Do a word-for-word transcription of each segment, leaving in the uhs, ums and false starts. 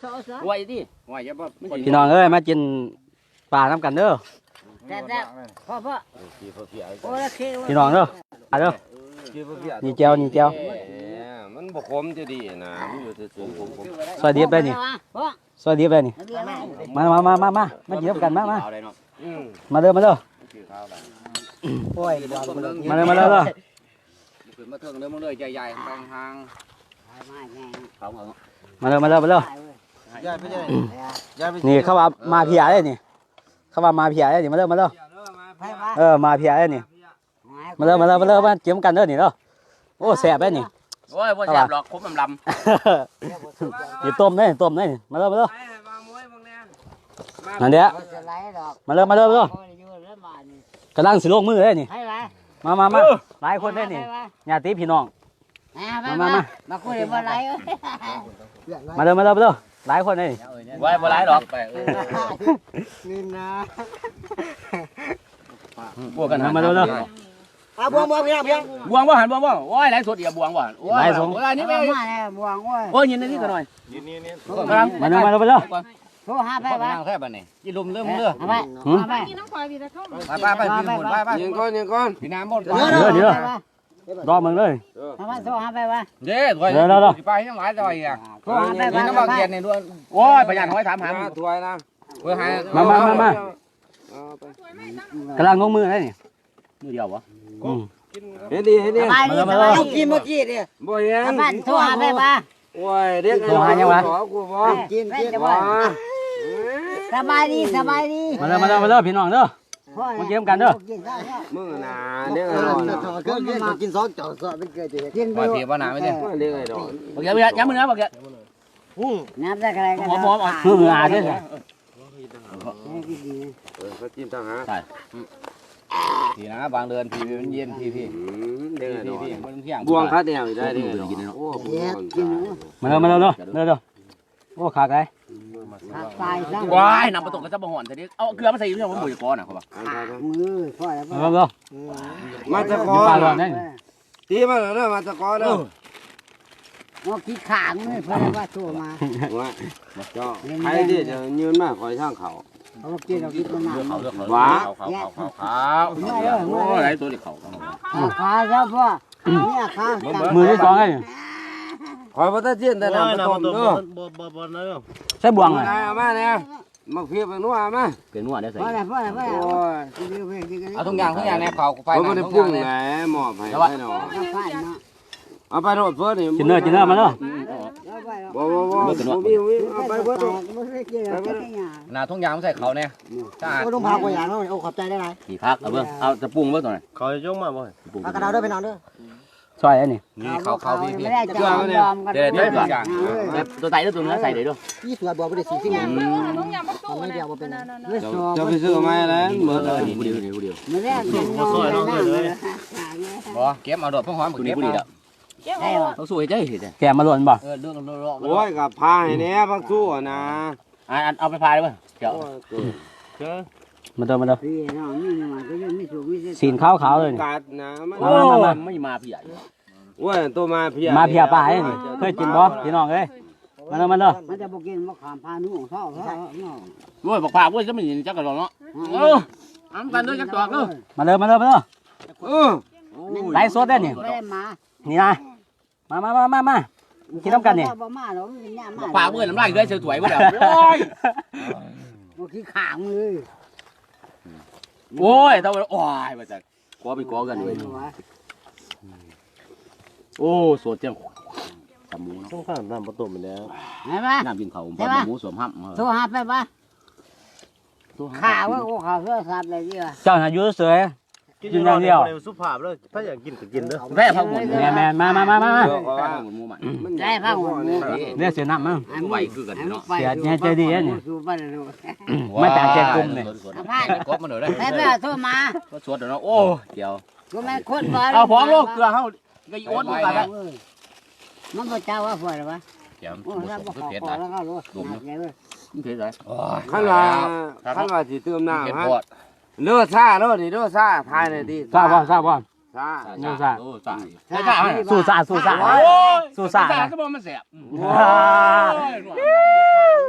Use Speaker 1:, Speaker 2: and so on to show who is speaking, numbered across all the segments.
Speaker 1: ไหวดิไหวจะบ่
Speaker 2: พี่น้องเอ้ยมากินปลาน้ำกันเด้อ
Speaker 3: แซ่บพ่อพ่อโอ้ยเคี้ยว
Speaker 2: พี่น้องเด้อมาเด้อนี่เจียวนี่เจียว
Speaker 4: มันบ่คมจะดีนะมันอยู่สูงผมผม
Speaker 2: ซอยดิบไปนี่ซอยดิบไปนี่มามามามามามากินน้ำกันมามามาเด้อมาเด้อโอ้ยมาเด้อมาเด้อ
Speaker 1: ขึ้นมาเถิงเด้อมึงเลยใหญ่ๆห่างๆเขาเอา
Speaker 2: มาเด้อมาเด้อมาเด้อนี่เขาว่ามาเพียเลยนี่เขาว่ามาเพียเลยนี่มาเด้อมาเด้อเออมาเพียเลยนี่มาเด้อมาเด้อมาเด้อมาเกี่ยมกันเด้อนี่เด้อโอ้แซ่บเลยนี่
Speaker 1: โอ้ยบ่แซ่บหรอกคมลำ
Speaker 2: นี่ต้มเลยต้มเลยมาเด้อมาเด้อนั่นเด้อมาเด้อมาเด้อมาเด้อกำลังสิลงมือเลยนี่มามามาหลายคนเลยนี่ญาติพี่น้องมามามา
Speaker 3: มาคุยบ่ไรเอ้ย
Speaker 2: มาเด้อมาเด้อมาเด้อหลายคนเลยนี่
Speaker 1: ๆไหวบ่หลายดอกไปเออ
Speaker 3: นี่นะ
Speaker 1: บวกกัน
Speaker 2: มาเด้อมาเด้อ
Speaker 3: อ่ะบวงบวงพี่น้องพี่น้อง
Speaker 1: บวงบ่หันบวงบ่โอ้ยหลายสดอย่าบวงบ่โอ้ยโอ้ยนี่
Speaker 3: มา
Speaker 1: แม่
Speaker 3: แล้วบวงเว้ย
Speaker 1: โอ้ยยินนี่ก็หน่อย
Speaker 2: มาเด้อมาเด้อมาเด้อ
Speaker 3: โทรหาไป
Speaker 1: ไป
Speaker 3: วะ
Speaker 1: นั่งแค่บัดนี้กินลมเริ่มเด้อ
Speaker 3: เอาไปเอาไป
Speaker 1: ไปไปไปกินหมดไปไป
Speaker 4: ยิงก้อนยิงก้อน
Speaker 1: พี่น้ำหมด
Speaker 2: เด้อเด้อเด้อรอมึงเลย
Speaker 3: เอาไปโทรหาไปวะ
Speaker 1: เด้ถอยไปยังหลายดอยอ่ะ
Speaker 3: โทรหาไป
Speaker 1: นี่
Speaker 3: วะ
Speaker 1: น้ำมันเกียนนี่ด้วยโอ้ยประหยัดหอยถามหา
Speaker 4: ถวยนะ
Speaker 1: เว้ยหาย
Speaker 2: มามามามา กำลังงงมือเลยนี่
Speaker 1: มือเดียววะ
Speaker 4: เฮ็ดดีเฮ็ดดี
Speaker 3: ไปนี่สบายกินเมื่อกี้ดิ
Speaker 4: บ่เห็น
Speaker 3: ไปโทรหาไปวะ
Speaker 4: โอ้ยเด็กขอกูบ่
Speaker 3: กินกินบ่สบายดีสบายดี
Speaker 2: มาเด้อมาเด้อมาเด้อพี่น้องเด้อมาเกี่ยมกันเด้อ
Speaker 4: มึงน่ะเด็กไอ้ดอน
Speaker 3: ก็กินกินสองจ่อสอบเป็นเกิดกินไป
Speaker 1: ปล่อยเพียบ่หนาไม่ได้
Speaker 4: เด็กไอ้ดอน
Speaker 1: บอกแกไม่ได้ย้ำมือนะบอกแก
Speaker 3: น้ำได้อะไรกัน
Speaker 1: หอมหอมอ่ะ
Speaker 2: มืออาด้วย
Speaker 4: เขาจิ้มทางหา
Speaker 1: ทีนะบางเดือนทีมันเย็นทีพี่
Speaker 4: เด็กไอ้ด
Speaker 1: ที
Speaker 4: อน
Speaker 1: พี่มันเที่ยง
Speaker 4: บวงคัดแนวได้เด็กไอ้ดอนโอ้
Speaker 3: กิน
Speaker 2: มาเด้อมาเด้อเด้อเด้อเด้อโอ้ขาดไร
Speaker 3: ตายซะ
Speaker 1: ว้ายนำประตูก็จะบ่หอนแต่นี้เอาเกลือมาใส่อยู่ที่ว่าหมูจะก้อนอ่ะเขาบอก
Speaker 3: มือพ่อแล้ว
Speaker 2: มาเด้อเด้อ
Speaker 4: มาตะกอ
Speaker 2: ปลาหลอดนี่
Speaker 4: ตีมาเด้อมาตะกอเด้อ
Speaker 3: ว่าขี้ขางมือเพื่อว่าโทรมา
Speaker 4: ว่าเจ้าใครที่จะยืนมาคอยทางเขา
Speaker 3: เขากินเรากินมันหนัก
Speaker 1: เขาเลือกเขาเขาเขาเขาเขาโอ้ยไรตัวเด็กเขา
Speaker 3: ขาเจ้าพ่อเนี่ยขา
Speaker 2: มือที่สองไง
Speaker 4: คอยบ่ตะเจียนแต่น้ำต้มเด้อ
Speaker 2: ใช้บ่วงเลย
Speaker 4: เอามาเนี่ยมาเพียบนัวมา
Speaker 1: เป็นนวดได้ใส่
Speaker 3: พ่อแล้วพ่อแล้วพ่อแล้ว
Speaker 4: โอ้ย
Speaker 1: เอาทุกอย่างทุกอย่างเนี่ยเขาไฟ
Speaker 4: เขาไม่ได้ปรุงไงหมอบให้ให้หนอเอาไปโรดเพื่อนนี่
Speaker 2: กินเนื้อกินเนื้อมาเด้อ
Speaker 4: บ่บ่บ่บ่มีมีเอาไปเพื่อน
Speaker 1: นาทุกอย่างใส่เขาเนี่ยจ้า
Speaker 3: ก็ต้องพาไปอย่างนั้นโอ้ขอบใจได้ไร
Speaker 1: ขี่พักเอาเบิ้งเอาจะปรุงเบิ้งตัวไหน
Speaker 5: เขาจะยกมาบ่
Speaker 1: ปรุง
Speaker 3: เอากระดาษด้วยไปนอนด้วย
Speaker 2: ซอยอันนี้
Speaker 1: นี่เขาเขาพี่พี่
Speaker 3: ไม่ได้จะยอมกัน
Speaker 1: เดี๋ยวเดี๋ยวทุกอย่างตัวไตแล้วตัวเนื้อใส่เดี๋ยวดู
Speaker 3: ยี่สิบบัวไม่ได้สี่สิบ
Speaker 6: น้องยำประตู
Speaker 3: ไม่
Speaker 6: นะ
Speaker 3: เดียวมาเป็น
Speaker 4: จะไปซื้อมาแล้วเหมือน
Speaker 1: เออดีเดียวเดียวเดียว
Speaker 3: ไม่ได้เป็นน้องเลย
Speaker 1: บ่เก็บเอาดอกพ่อหอมเก็บเอาเขาสวยใจเห็น
Speaker 2: แกมาหล่นบ่
Speaker 1: เออเรื่องเรื่อง
Speaker 4: โอ้ยกับพาให้แน่พักสู้นะ
Speaker 1: อ่าเอาไปพายได้ป่ะเดี๋ยว
Speaker 2: มาเด้อมาเด้อ
Speaker 3: พี่น้องนี่มาก็ยังไม่สูงไม่เสร็จ
Speaker 2: สีนขาวขาวเลย
Speaker 4: กัดนะมัน
Speaker 1: โอ้ไม่มาพี่ใหญ่
Speaker 4: โอ้ยตัวมาเพีย
Speaker 2: มาเพียปลาไอ้นี่เคยกินบ่พี่น้องเอ้ยมาเด้อมาเด้อ
Speaker 3: มันจะบอกกินมะขามพานุ่งเท่าเท่า
Speaker 1: โอ้ยบอกพาโอ้ยจะไม่ยินจักกระโดดเนาะเอออันกันด้วยจักตัวเนาะ
Speaker 2: มาเด้อมาเด้อมาเด้อ
Speaker 4: เออ
Speaker 2: ไล่สดได้นี่
Speaker 3: ไม่ได้มา
Speaker 2: นี่นะมามามามามากินน้ำกันนี่
Speaker 3: บ่มาหรอกมันยาก
Speaker 1: บอก
Speaker 3: มาก
Speaker 1: พาเพื่อนน้ำลายด้วยเสือถวยมาแล้วโอ้ย
Speaker 3: บ่ขี้ขางเลย
Speaker 1: โอ้ยต้องโอ้ยมาจากกอไปกอกันเลยโอ้สดจังตำหมูเนาะ
Speaker 5: ต้องข้ามน้ำประตูไปแล้ว
Speaker 3: เห็นไหม
Speaker 1: น้ำกินเขาผมหมูสวมห้ำ
Speaker 3: โทรหาไปปะข่าวว่าโอ้ข่าวโทรศัพท์เลยดีว่ะ
Speaker 2: เจ้าหน้าอยู่เสือ กินอย่างเดียว
Speaker 5: สุภาพเลยถ้าอยากกินก็กินเด้อ
Speaker 1: แม่พักหมด
Speaker 2: แม่แม่มามามามามา
Speaker 1: แม่พักหมดหมูใหม่
Speaker 3: ได้ผ้าหัวหมู
Speaker 2: เรียกเสียน้ำมั้ง
Speaker 1: ไหวคือกันเนาะ
Speaker 2: เสียเนี่ยใจดีเนี่ย
Speaker 3: สูบไปเลย
Speaker 2: ไม่แต่ใจกลุ่มเลย
Speaker 1: กบมาหน่อยได้
Speaker 3: ให้ไปโทรมา
Speaker 1: ก็สวดเนาะโอ้เดี๋ยว
Speaker 3: ก็ไม่คนบ่
Speaker 1: เอาพร้อมลูกเกลือเขาก็อีโอ๊ตมาแล้ว
Speaker 3: มันบ่เจ้าว่าฝอยหรอวะ
Speaker 1: เดี๋ยว
Speaker 3: โอ้
Speaker 1: หมู
Speaker 3: ถ้า
Speaker 1: ส
Speaker 3: บ่
Speaker 1: ม
Speaker 3: ข
Speaker 1: คือ
Speaker 3: อ
Speaker 1: เผ็ด
Speaker 3: ขอ
Speaker 1: นะ
Speaker 3: แล้วก็รู้ไงเว้ย
Speaker 1: เผ็ดเลย
Speaker 4: ขั้นว่าขั้นว่าสิเติมน้ำ
Speaker 1: เผ็ด
Speaker 4: ฮะ
Speaker 1: ปอด
Speaker 4: เลือดซ่าเลือดนี่เลือดซ่าทายเลยดิ
Speaker 2: ทราบว่าทราบว่า
Speaker 4: ซ่า
Speaker 1: โอ้ซ่าโอ้ซ่าซ่า
Speaker 2: สู้ซ่าสู้ซ่าสู้ซ่า
Speaker 1: ซ่าก็บอกมันแสบ
Speaker 2: ว้า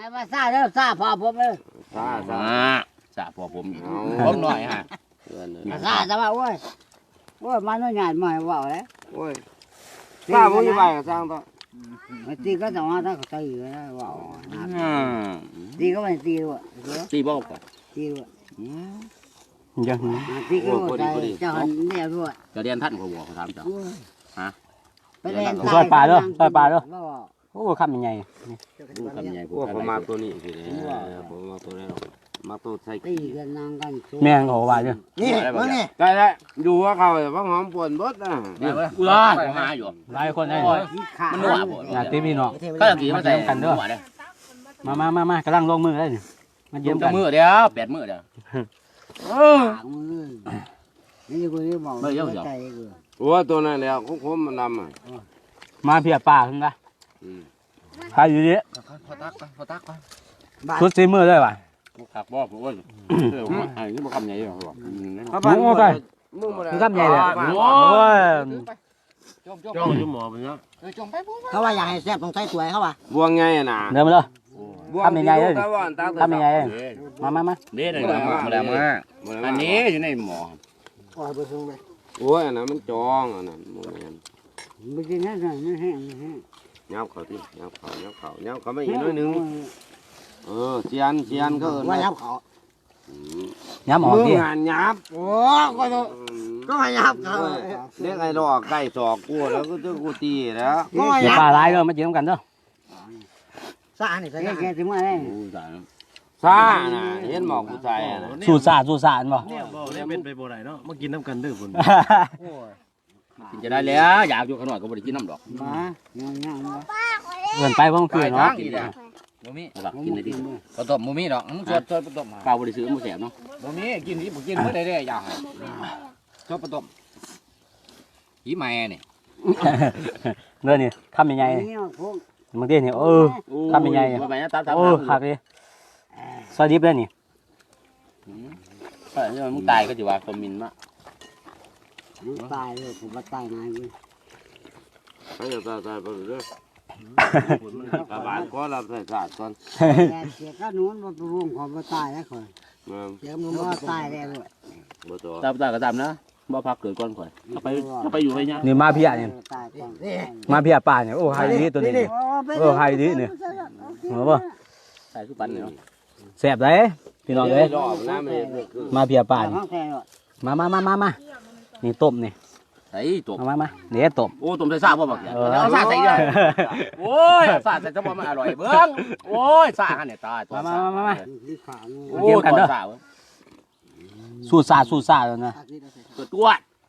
Speaker 3: ไม่มาซาเด้อซาพอผมเลย
Speaker 4: ซาซา
Speaker 1: สะพอผมผมหน่อยฮะ
Speaker 4: เพื่อนเลย
Speaker 3: ซาแต่ว่าโอ้ยโอ้ยมันน้อยใหญ่มาว่าเลย
Speaker 4: โอ้ยซาบ่มีใบก็สร้างต่อ
Speaker 3: ไม่ตีก็ต้องมาถ้าเขาตีเลยนะว่าตีก็ไม่ตีด้วย
Speaker 1: ตีบอกก่อน
Speaker 3: ตีด้วย
Speaker 2: ยัง
Speaker 3: ตีก็ใจเจ้าหันเนี่ยด้วย
Speaker 1: จะเรียนท่านเขาบอกเขาถามจ้ะ
Speaker 3: ไปเล่น
Speaker 2: ซอยปลาเด้อซอยปลาเด้อโอ้คำยังไง
Speaker 1: ดูคำใหญ่
Speaker 4: พวกผมมาตัวนี้สิผมมาตัวนี้มาตัวใส่
Speaker 3: ตีกันนางกัน
Speaker 2: แม่งเขาว่าเนี่ย
Speaker 3: นี่มานี่
Speaker 4: ได้แล้วดูว่าเขาว่าหอมปวนบดนะ
Speaker 1: กูร้อนหาอยู่
Speaker 2: หลายคนได้
Speaker 1: มันหนัวบ่
Speaker 2: งานตีพี่น้อง
Speaker 1: ก็ตะกี้มาใส่กันเด้อ
Speaker 2: มามามา มากำลังลงมือได้เนี่ยมาเยี่ยม
Speaker 1: จะ
Speaker 2: กัน
Speaker 1: มือเดียวแปดมือเดียว
Speaker 3: ปากมือนี่กูนี่บอกใจกู
Speaker 4: โอ้ตัวนั้นแล้วคุ้มมันดำอ่ะ
Speaker 2: มาเพียป่าขึ้นละใครอยู่ดิ
Speaker 1: พอตักพอตัก
Speaker 2: ชุดซีมือเลยว่ะ
Speaker 1: ขักบอกผมว่าเออไอ้นี่มันคำใหญ่หรอบอก
Speaker 2: โอ้ย
Speaker 4: มึงมา
Speaker 2: คือคำใหญ่เลยโอ้ย
Speaker 1: จมจม
Speaker 5: จ้องอยู่หมอไปเนาะ
Speaker 1: จมไปปุ๊บ
Speaker 3: เขาว่าอยากให้แซ่บต้องใช้สวยเขาว่า
Speaker 4: บวงไงอ่ะนะ
Speaker 2: เดินมาเลย
Speaker 4: ทำยังไงเลยทำยังไง
Speaker 2: มามามา
Speaker 1: เด็ดเลยมาแล้วมาอันนี้อยู่ในหมอ
Speaker 3: โอ้ยไปซึ่งไป
Speaker 4: โอ้ยอันนั้นมันจองอันนั้นโมเมน
Speaker 3: ไปกินนั่นนั่นนี่แห้งนี่แห้ง
Speaker 4: เงาเขาที่เงาเขาเงาเขาเงาเขาไม่อีกน้อยนึงเออเชียนเชียนก็เอิญ
Speaker 3: ว่ายับเขา
Speaker 2: ย้ำออก
Speaker 4: มือ
Speaker 2: ดิ
Speaker 4: งานยับ
Speaker 3: โอ้ก็ต้องก็มายับเขา
Speaker 4: เรียกไอ้ดอกไก่สอกกูแล้วก็จะกูตีแล้ว
Speaker 3: ก็มา
Speaker 2: เดี๋ยว
Speaker 3: ยับ
Speaker 2: ป่าร้ายเลยมาเยี่ยมกันเด้อ
Speaker 3: ซานี่ใส่แกถึงมาได้
Speaker 4: ซาน่ะเห็นหมอกกูใส่น่ะ
Speaker 2: สูสาสูสานบ่
Speaker 5: เนี่ยบ่ได้เป็นไปบ่ได้เนาะมากินน้ำกันเด้อพุ่น
Speaker 1: กินจะได้แล้วอยากอยู่ขนาดก็บ่ได้กินน้ำดอก
Speaker 3: มาย่างย่างมา
Speaker 2: เกินไปเพราะมันคือเนาะ
Speaker 1: กินได้บ่มีหลักกินได้ดิผสมบ่มีดอกสดสดผสมเปล่าบ่ได้ซื้อบ่แซ่บเนาะบ่มีกินดิบ่กินบ่ได้เด้อยากชอบผสมหีแม่นี่
Speaker 2: เดินนี่คำยังไง
Speaker 3: นี่พวก
Speaker 2: บางทีนี่เออคำยังไง
Speaker 1: บ่ไปนะตาม
Speaker 2: โอ้ขาดเลยซอยดิบเลยนี่
Speaker 1: เออมึงตายก็สิว่าคอมมินมา
Speaker 3: ตายเลยผมว่าตายนายเว้ย
Speaker 4: ไอ้ตาตายไปเรื่อยกระบาดก็รับใส่ศาสตร์ก่อน
Speaker 3: แต่เสียก็นู้นว่าไปวงของมาตายแล้วคนเสียมันว่าตายแล้วด้วย
Speaker 4: บ่ตัว
Speaker 1: ตามตาก็ตามนะบ่พักเกิดก่อนข่อยเอาไปเอาไปอยู่ให้ยะ
Speaker 2: นี่มาเพียนี่
Speaker 3: ตายก่อน
Speaker 2: มาเพียป่าเนี่ยโอ้ไฮดีตัวนี้โอ้ไฮดีเนี่ยเหรอบ่
Speaker 1: ใส่ทุกปันเนาะ
Speaker 2: แซ่บเลยพี่น้องเอ้ย
Speaker 4: รอบน้ำเลยคือ
Speaker 2: มาเพียป่า
Speaker 3: ตาย
Speaker 2: นี่
Speaker 3: ห้องแท้ด้วย
Speaker 2: มามามามามานี่ต้มนี่
Speaker 1: ใส่ตบ
Speaker 2: มามามาเดี๋ยวต้ม
Speaker 1: โอ้ต้มใส่ซ่าบ่บักเอาซ่าใส่เด้อโอ้ยซ่าใส่จะบ่มันอร่อยเบิ่งโอ้ยซ่าหั่นเนี่ยตายตัว
Speaker 2: มามามามา
Speaker 3: ที่ขานี่
Speaker 1: โอ้ยตัวซ่า
Speaker 2: สูตรซาสูตรซาแล้วนะ
Speaker 1: ตัวตัว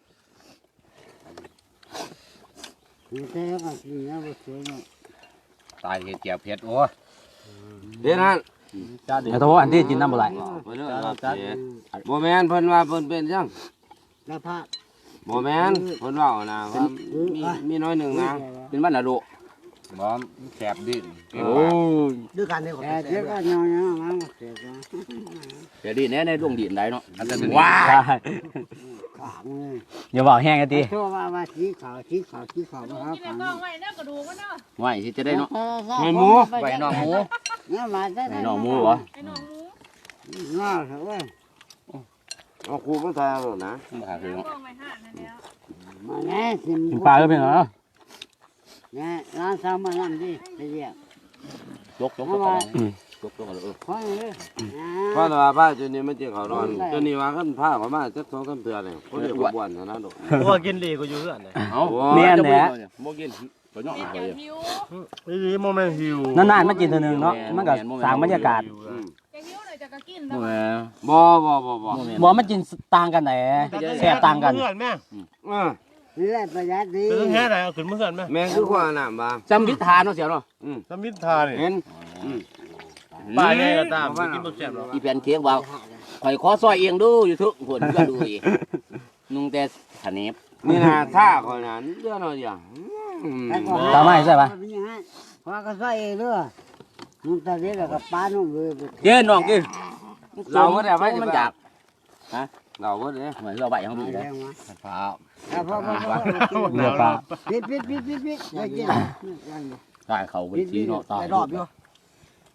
Speaker 3: นี่แท้ก็กินแล้วบ่สวยเนาะ
Speaker 1: ตายเห็ดเจียวเผ็ดโอ้ย
Speaker 4: เดี๋ยวนั้น
Speaker 2: แต่ถ้าว่าอันที่กินน้ำบ่ไหล
Speaker 4: ไปเรื่อยบ่แม่นเพิ่นว่าเพิ่นเป็นจัง
Speaker 3: แล้วผ้า
Speaker 4: บ่แม่นเพิ่นว่านะว่ามีมีน้อยหนึ่งนะ
Speaker 1: เป็นบ้านละโลบ่แสบดิโอ้ย
Speaker 3: ด้วยกันเนี่ยแต่เสียก็ยองๆมาเสียก็
Speaker 1: เดี๋ยวดิแน่ในดวงดินได้เนาะอันนั้น
Speaker 2: ว้า
Speaker 3: ขาเลย
Speaker 2: อย่าบอกแห้งกันที
Speaker 3: ชั่วว่าว่าสีขาวสีขาวสีขาวนะครับ
Speaker 6: นี่แหละกล้องไว้นะกระดูกมันเนาะ
Speaker 1: ไหวสิจะได้เนาะ
Speaker 4: ให้หมู
Speaker 1: ไหวน้องหมู
Speaker 3: เนี่ยมาได้
Speaker 1: ไหวน้องหมูเหรอ
Speaker 6: ไอ้หนองหมู
Speaker 3: น่าเถอะเว้ย
Speaker 4: เอาครูมาทายเอานะ
Speaker 1: มาหาคือเนาะ
Speaker 6: กล้องไว้ห่างนั่นแล้ว
Speaker 3: มาแน่สิ
Speaker 2: กินปลาก็เป็นเหรอ
Speaker 3: เนี่ยร้านสาวมานั่งดิไปเรียก
Speaker 1: ยกยกยกยกยกเออ
Speaker 3: คอยเลย
Speaker 4: เพราะว่าผ้าจุดนี้มันจะเขานอนจุดนี้ว่ากันผ้าเขามาจักสองสามเทื่อนี่เขาเรียกว่าบ่วนนะดอก
Speaker 5: เพราะว่ากินดีก็อยู่เฮือนน่ะ
Speaker 1: เอาบ่กินบ่ย่อง
Speaker 6: กิน
Speaker 1: ไป
Speaker 6: เดี๋ยวหิว
Speaker 5: อีหลีโมเมนต์หิวน
Speaker 2: านๆมากินเท่านึงเนาะมันก็สร้างบรรยากาศ
Speaker 6: จะหิวหน่อยจะก็กิน
Speaker 1: บ่
Speaker 6: แล้ว
Speaker 1: แม่
Speaker 4: บ่บ่บ่บ่
Speaker 2: บอกมันกินต่างกันไหนแซ่บต่างกัน
Speaker 5: เฮือนแม่
Speaker 4: เออ
Speaker 3: นี่แหละประหยัดดี
Speaker 5: คือแค่ไหนเอาขึ้นมาเฮือนแม่
Speaker 4: แม่คือขวาน้ำบ่
Speaker 1: จำพิธาเนาะเสียเนาะ
Speaker 5: สมิทธานี่
Speaker 4: เห็น
Speaker 5: ป้าใหญ่ก็ตามสิกินบ่แซ่บหรอก
Speaker 1: อีแผ่นเค้กว่าข่อยขอซอยเองดูอยู่ทุกคนก็ดูอีกนุ่งแต่ขะเนบ
Speaker 4: นี่นะท่าคนนั้นเยอะหน่อยอย่าง
Speaker 2: ตามไม่ใช่ปะ
Speaker 3: พอก็ใส่เองด้วยนุ่งตาเด็กกับป้านุ่งเลย
Speaker 1: เด้น้องกิน
Speaker 4: เราก็ได้ไป
Speaker 1: มันอยาก
Speaker 4: เราก็ได้
Speaker 1: เหมือนเราไปของ
Speaker 3: มา
Speaker 1: พี่
Speaker 3: แล้
Speaker 1: นะ
Speaker 3: วมา
Speaker 1: พร้าว
Speaker 3: พ่อพ่อพ่อ
Speaker 2: เรือปลา
Speaker 3: ปิดปิดปิดปิดปิดได้กิน
Speaker 1: ตายเขาเป็นสีเนาะตาย
Speaker 3: รอบอยู่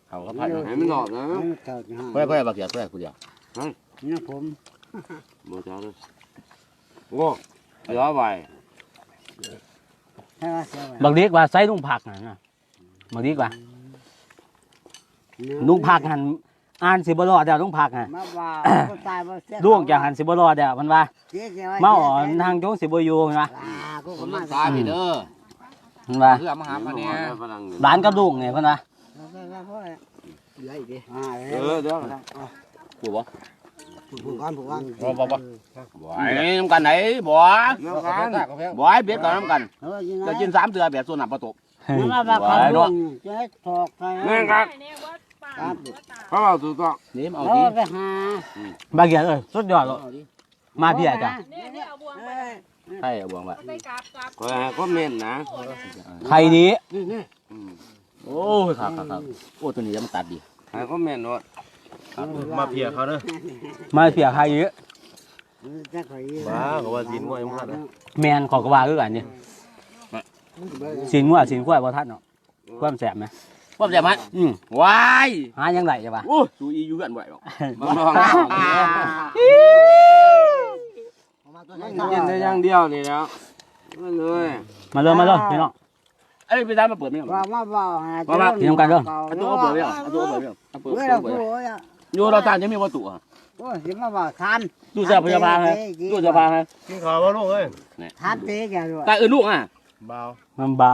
Speaker 1: เขาก็พัด
Speaker 4: ให้มันหลอดนะ
Speaker 3: เท่าที่ห้า
Speaker 1: เพื่อเพื่อบักเกียร์เพื่อกูเดียว
Speaker 3: นี่ผม
Speaker 4: บ่จ้าเลยโอ้เดี๋ยวไป
Speaker 3: ใช่ว่าเสีย
Speaker 2: บางทีว่าใส่ลุงผักนะบางทีว่าลุงผักหันอ่านสิบ่รอดแล้วลุงผักฮะ
Speaker 3: มาว่าตายบ่เสีย
Speaker 2: ลูกจากหันสิบ่รอดแล้วมันว่ามาอ่อนทางจงสิบ่อยู่มันว่า
Speaker 3: กู
Speaker 1: ค
Speaker 3: ก็
Speaker 1: น
Speaker 3: มา
Speaker 1: ตายพี่เด้อ
Speaker 2: มันว่า
Speaker 1: เพื่อมาหาพันเนี่ย
Speaker 2: หลานกับลูกเนี่ยเพิ่นว่า
Speaker 3: เหลืออีกดิอ่า
Speaker 4: เออเดี๋ยว
Speaker 1: กูบ่
Speaker 3: ผมก่อนผมก่อน
Speaker 1: บ่บ่บ่บ่ไอ้น้ำกันไหนบ่
Speaker 4: เดี๋ยวกัน
Speaker 1: บ่ไอ้เบ็ดกับน้ำกัน
Speaker 3: เออกิน
Speaker 1: จะ
Speaker 3: นะ
Speaker 1: กินสามเตือแบบส่วนหนับประตู
Speaker 3: มาว่าเขาลงจะให้ถอกใคร
Speaker 4: นี่ครับ
Speaker 6: เนี่ยว่าป่า
Speaker 4: เพราะเราถูกต้อง
Speaker 1: นี่เอา
Speaker 3: เอา
Speaker 1: ที
Speaker 3: ไปหา
Speaker 2: บางอย่างเอ้ยสุดยอดเลยมาพี่อาจ้ะ
Speaker 6: เนี่ยเนี่ยเอาบวงไป
Speaker 1: ใช่บวงว่า
Speaker 6: ไปกราบกราบ
Speaker 4: คอยให้คอมเมนต์นะ
Speaker 6: โอ้นะ
Speaker 2: ใครดี
Speaker 1: โอ้ยครับครับครับโอ้ตัวนี้จะมันตัดดี
Speaker 4: ให้คอมเมนต์ว่า
Speaker 5: มาเพียเขาเด้อ
Speaker 2: มาเสียใครเยอะ
Speaker 3: จะขอย
Speaker 5: บ้าเขาว่าสินง่วยมากนะ
Speaker 2: แมนขอกระว่าคือกันนี่สินงัวสินกล้วยบ่ทันเนาะความแสบไหม
Speaker 1: ว่าจะมัน
Speaker 2: อืม
Speaker 1: วาย
Speaker 2: หายังไงจ้ะวะ
Speaker 1: โอ้ดูอีอยู่กันบ่อยหรอก
Speaker 4: มาลองกินได้อย่างเดียวนี่แล้วมันเลย
Speaker 2: มาเลยมาเลยพี่น้อง
Speaker 1: ไอ้พี่ตามมาเปิดไม่หรอ
Speaker 3: ว่ามาบอกหา
Speaker 2: พี่น้องกันเด้อ
Speaker 1: อันตัวเปิดไม่หรออันตัวเปิดไม่หรอเปิด
Speaker 3: เมื่อ
Speaker 1: เปิ
Speaker 3: เรา
Speaker 1: ด
Speaker 3: พูดอ่ะ
Speaker 1: อยู่เราตามจะมีวัตถุอ่ะ
Speaker 3: โอ้ยสิมาบอกทาน
Speaker 1: ตู้เสื้อพยาบาลฮะตู้เสื้อผ้าฮะ
Speaker 5: กินข้าวบ่ลูกเอ้ย
Speaker 3: ทานเตะแกด้วย
Speaker 1: ตาอื่นลูกอ่ะ
Speaker 5: เบา
Speaker 2: มันเบา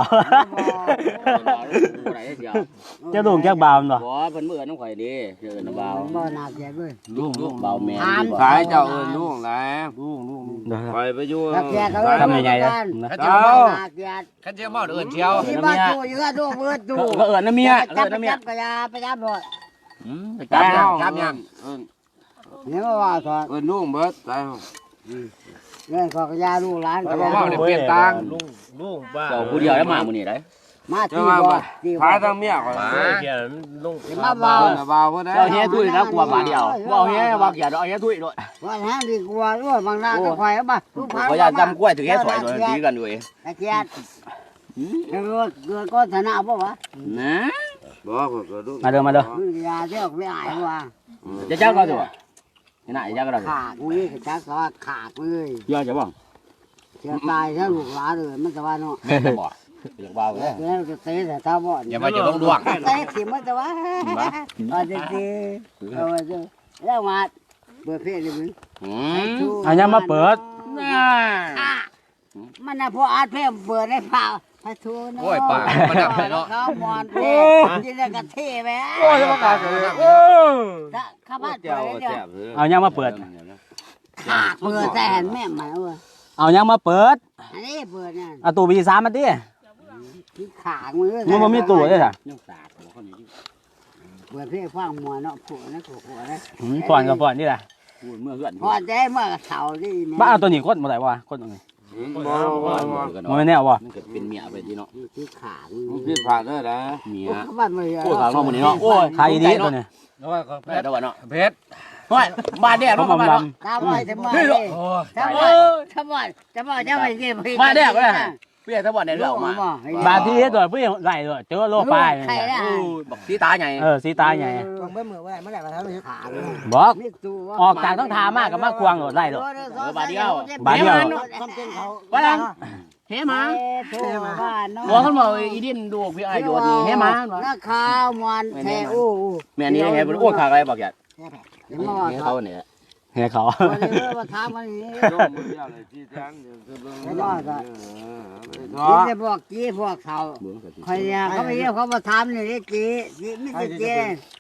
Speaker 1: ไหนเดียว
Speaker 2: เจ้าลูกแจ้งเบามันบ่
Speaker 1: บ่เพิ่นเมื่อน้องข่อยดีเชิญเบา
Speaker 3: บ่หนักแกด้วย
Speaker 1: ลูกลูกเบาแม่
Speaker 4: ขายเจ้าเอิญลูกแล้ว
Speaker 5: ลูกลูกลูก
Speaker 2: เดี๋ยว
Speaker 4: ไปไปอยู่
Speaker 3: นักแกเขา
Speaker 2: ทำยังไงนะ
Speaker 1: ข้า
Speaker 4: เจ้า
Speaker 1: เจ้า
Speaker 3: หนักแก
Speaker 1: ข้าเจ้าเมาเอิญเชียว
Speaker 3: ที่บ้านดูอยู่ก็ดูเบิดดู
Speaker 1: ก็เอิญน้ำเมีย
Speaker 3: จั
Speaker 1: เอิ
Speaker 3: บ
Speaker 1: ญน้ำเมีย
Speaker 3: จับกระยาไปจับบ่
Speaker 1: อืมจับยังจับยัง
Speaker 4: เอิญ
Speaker 3: เนี่ยมาว่าสอน
Speaker 4: เอิญลูกเบิดไป
Speaker 3: เรื่องของกระยาลูกหลานกระยา
Speaker 5: ลุงลุงบ้า
Speaker 1: เจ้าผู้เดียวแล้วมามื้อนี้ได้
Speaker 3: มา
Speaker 4: เจ้า
Speaker 3: ที่
Speaker 4: ว่า
Speaker 3: บ่ที่
Speaker 4: ขายทางเมียก่อน
Speaker 5: มาเขียนลุง
Speaker 3: มาเบา
Speaker 4: เอิญเบาเพื่อได้
Speaker 1: เจ้าเฮียตุ้ยนะกลัวมาเดียวว่าเฮียว่าเกียดเอาเฮียตุ้ยด้วย
Speaker 3: ว่าแห้งดีกว่าด้วยบางนาก็ควายมาลูกพา
Speaker 1: เขาจะจำกล้วยถึงแค่สวยเลยตีกันด้วย
Speaker 3: ตะเกียบเกิดเกิดก้อนธนาบ่วะ
Speaker 1: นะ
Speaker 4: บอกก็ดู
Speaker 2: มาเด้อมาเด้อ
Speaker 3: มึงยาเที่ยวไม่อายว่า
Speaker 1: จะจ้างก็ตัวนี่น่ะจ้างก็ได้
Speaker 3: ขาดมึงนี่จักก็ขาดเลย
Speaker 1: ยอดจะบ้าง
Speaker 3: เสียตายถ้าลูกหลานเลยมันจะว่าเนาะ
Speaker 1: แม่จะบอกอยากเบาเลย
Speaker 3: เดี๋ยวจะเตะแต่ถ้าบ่
Speaker 1: อย่ามาจะต้องดวง
Speaker 3: เตะสิมันจะว่าเอาจริงๆเอาจะแล้วมาเปิดเพลงเลยมึง
Speaker 1: อืม
Speaker 2: อันยังมาเปิด
Speaker 1: น่า
Speaker 3: มันน่ะพออาร์ตเพลงเปิดได้เปล่าพระทูน
Speaker 1: โอ้ยปากมันดับเลยเนาะ
Speaker 3: เขามอนเพลงยินดีกับเท่ไหม
Speaker 1: โอ้ยจะประกาศเลยโอ้
Speaker 3: ถ้าข้าบ้านเปิ
Speaker 4: เจ้า
Speaker 3: ดได้เดียว
Speaker 4: แซ่บเลย
Speaker 2: เอายังมาเปิด
Speaker 3: ขาดเปิดแต่เห็นแม่มาเว้ย
Speaker 2: เอายังมาเปิด
Speaker 3: อันนี้เปิดเนี่ย
Speaker 2: เอาตู้บีสามมาดิ
Speaker 3: ที่ขาดมือ
Speaker 2: มันบ่มีตู้เลยค่ะ
Speaker 1: ยังสาดหัวคนนี้
Speaker 3: เปิดเพลงฟังมัวเนาะผัวนะผัวผัวนะ
Speaker 2: อืมก่อนกับก่อนนี่แหละ
Speaker 1: พูดเมื่อเพื่อน
Speaker 3: พอใจเมื่อเสาร์ที่แม่
Speaker 2: บ้าเอาตัวนี้กดมาได้วะกดตรงนี้
Speaker 4: บ่บ่บ่
Speaker 2: มันไม่แน่วะ
Speaker 1: มันเกิดเป็นเมียไปที่เนาะ
Speaker 3: ที่ขาด
Speaker 4: มันผิดพลาดได้นะ
Speaker 1: เมีย
Speaker 3: ข้าบ้านไม่
Speaker 1: โอ้ยขางนอกมันนี่เนาะโอ้ย
Speaker 2: ใครดีตัวนี้
Speaker 5: แล้วว่าก็เพ
Speaker 1: แม่
Speaker 5: ชร
Speaker 1: ตะวันเนาะ
Speaker 5: เพชร
Speaker 1: โอ้ยมาแดด
Speaker 2: ผ
Speaker 1: เนาะ
Speaker 2: ม
Speaker 1: มา
Speaker 2: ด
Speaker 1: เนาะ
Speaker 3: ตาบอยจะมา
Speaker 1: นี่
Speaker 3: เล
Speaker 1: เนาะ
Speaker 3: ย
Speaker 5: โอ้ย
Speaker 3: ถ้าบอยถ้าบอยถ้าบอยจะไปเก็บ
Speaker 1: มาแดดก็ได้เปี้ยตะวันเนี่ยเรื่องมา
Speaker 2: บาทที่ตัวผู้ใหญ่ไหลตัวเจอโลปลาย
Speaker 3: ใครได้
Speaker 1: โอ้ยบอกสีตาใหญ่
Speaker 2: เออสีตาใหญ่
Speaker 3: ต้องเมื่อเมื่อไหร่เมื่อไหร่มาทำให้ขาด
Speaker 2: บอก
Speaker 3: นี่ตัว
Speaker 2: ออกจากต้องทามากกับมาควงโหลดไล่โหลด
Speaker 3: บาทเดียว
Speaker 2: ทำเป็นเขา
Speaker 1: ว่าดังเฮ้มา
Speaker 3: โทรบ้านเนาะ
Speaker 1: บอกเขาบอกอีดินดูพี่ไอ้โยนนี่เฮ้มา
Speaker 3: นักข่าวมันแท้อู้
Speaker 1: แม่นี่เฮ้โอ้ยขากอะไรบอกอย่า
Speaker 3: เดี๋ยวมาว่า
Speaker 1: เขาเนี่ย
Speaker 2: เฮ้เขา
Speaker 3: วันนี้มาถามวันนี้
Speaker 4: ลงมือเดียวเลยที่แจ้งเดี๋ยวจะเบิ่ง
Speaker 3: ไม่รอดอ่ะ
Speaker 4: เนาะ
Speaker 3: นี่จะบอกกี้พวกเขาใครเนี่ยเขาไปเรียกเขามาถามนี่จีจีไม่ใช่จี